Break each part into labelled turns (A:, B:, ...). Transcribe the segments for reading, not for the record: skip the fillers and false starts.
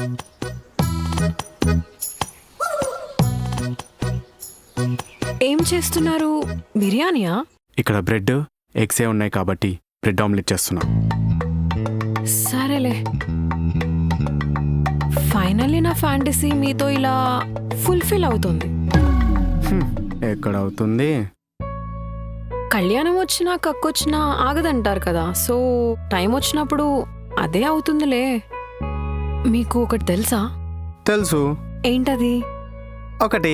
A: ఏం చేస్తున్నారు? బిర్యానీయా?
B: ఇక్కడ బ్రెడ్ ఎగ్సే ఉన్నాయి కాబట్టి బ్రెడ్ ఆమ్లెట్ చేస్తున్నా.
A: సరేలే. ఫైనల్లీ నా ఫ్యాంటసీ మీతో ఇలా ఫుల్ఫిల్ అవుతుంది.
B: ఎక్కడ అవుతుంది?
A: కళ్యాణం వచ్చినా కక్కొచ్చినా ఆగదంటారు కదా, సో టైం వచ్చినప్పుడు అదే అవుతుందిలే. మీకు ఒకటి తెలుసా?
B: తెలుసు.
A: ఏంటది?
B: ఒకటి.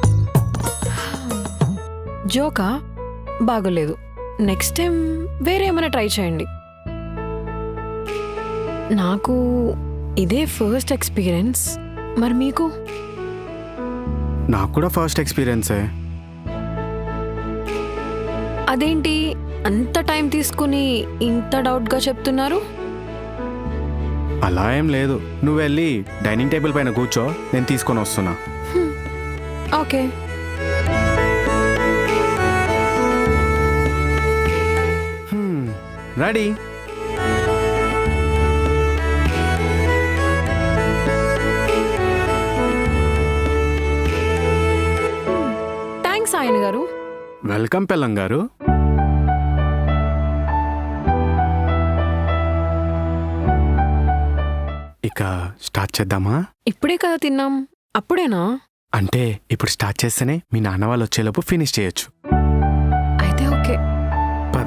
A: జోకా? బాగోలేదు. నెక్స్ట్ టైం వేరే ఏమైనా ట్రై చేయండి. నాకు ఇదే ఫస్ట్ ఎక్స్పీరియన్స్. మరి మీకు?
B: నాకు కూడా ఫస్ట్ ఎక్స్పీరియన్సే.
A: అదేంటి అంత టైం తీసుకుని ఇంత డౌట్గా చెప్తున్నారు?
B: అలా ఏం లేదు. నువ్వు వెళ్ళి డైనింగ్ టేబుల్ పైన కూర్చో, నేను తీసుకొని వస్తున్నా.
A: ఓకే.
B: రెడీ?
A: థ్యాంక్స్ ఆయన గారు.
B: వెల్కమ్ పెళ్ళం గారు. ఇక స్టార్ట్ చేద్దామా?
A: ఇప్పుడే కదా తిన్నాం, అప్పుడేనా?
B: అంటే ఇప్పుడు స్టార్ట్ చేస్తేనే మీ నాన్న వాళ్ళు వచ్చేలోపు ఫినిష్ చేయొచ్చు.
A: అయితే ఓకే.
B: పద.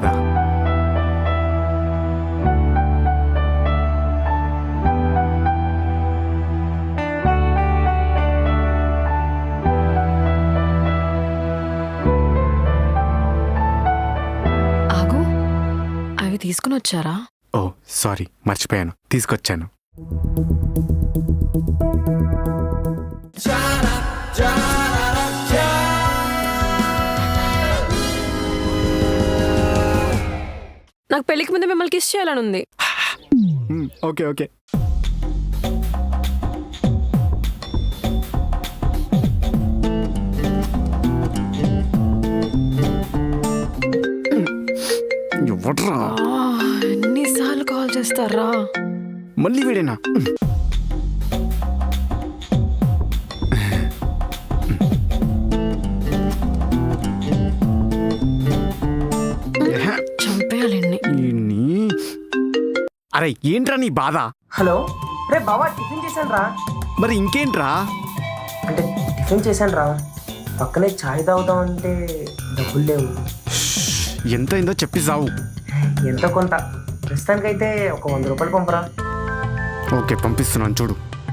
A: ఆగు, అవి తీసుకుని వచ్చారా?
B: ఓ సారీ, మర్చిపోయాను, తీసుకొచ్చాను.
A: నాకు పెళ్లికి ముందు మిమ్మల్ని కిస్ చేయాలని ఉంది.
B: Okay okay. ఎవడ్రా
A: ఎన్నిసార్లు కాల్ చేస్తారా?
B: మళ్ళీ వీడేనా?
A: చంపేయాలండి.
B: అరే ఏంట్రా నీ బాధ?
C: హలో రే బావా, టిఫిన్ చేశాను రా.
B: మరి ఇంకేంట్రా?
C: అంటే టిఫిన్ చేశాను రా, పక్కనే ఛాయ్ తాగుదామంటే డబ్బులు లేవు.
B: ఎంత అయిందో చెప్పి సావు.
C: ఎంతో కొంత, ప్రస్తుతానికైతే ఒక 100 రూపాయలు పంపరా.
B: ఓకే పంపిస్తున్నాను చూడు.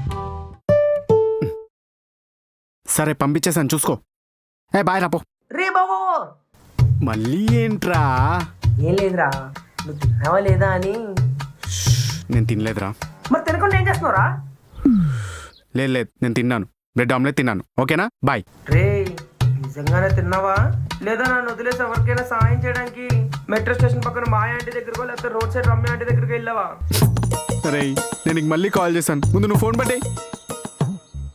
B: సరే పంపించేసాను చూసుకో. బాయ్ రాపో.
C: రే బావో.
B: మళ్ళీ ఏంట్రా?
C: ఏం లేదురా, నువ్వు తిన్నావా లేదా అని.
B: నేను తినలేదురా.
C: మరి తినకుండా ఏం చేస్తున్నావురా?
B: లేదు నేను తిన్నాను, బ్రెడ్ ఆమ్లెట్ తిన్నాను. ఓకేనా? బాయ్.
C: రే నిజంగానే తిన్నావా లేదా? నన్ను వదిలేసి ఎవరికైనా సాయం చేయడానికి మెట్రో స్టేషన్ పక్కన మాయ ఆంటీ దగ్గరకో లేకపోతే రోడ్ సైడ్ రమ్య ఆంటీ దగ్గరికి వెళ్ళావా?
B: అరే నేను నీకు మళ్ళీ కాల్ చేశాను, ముందు నువ్వు ఫోన్ పట్టే.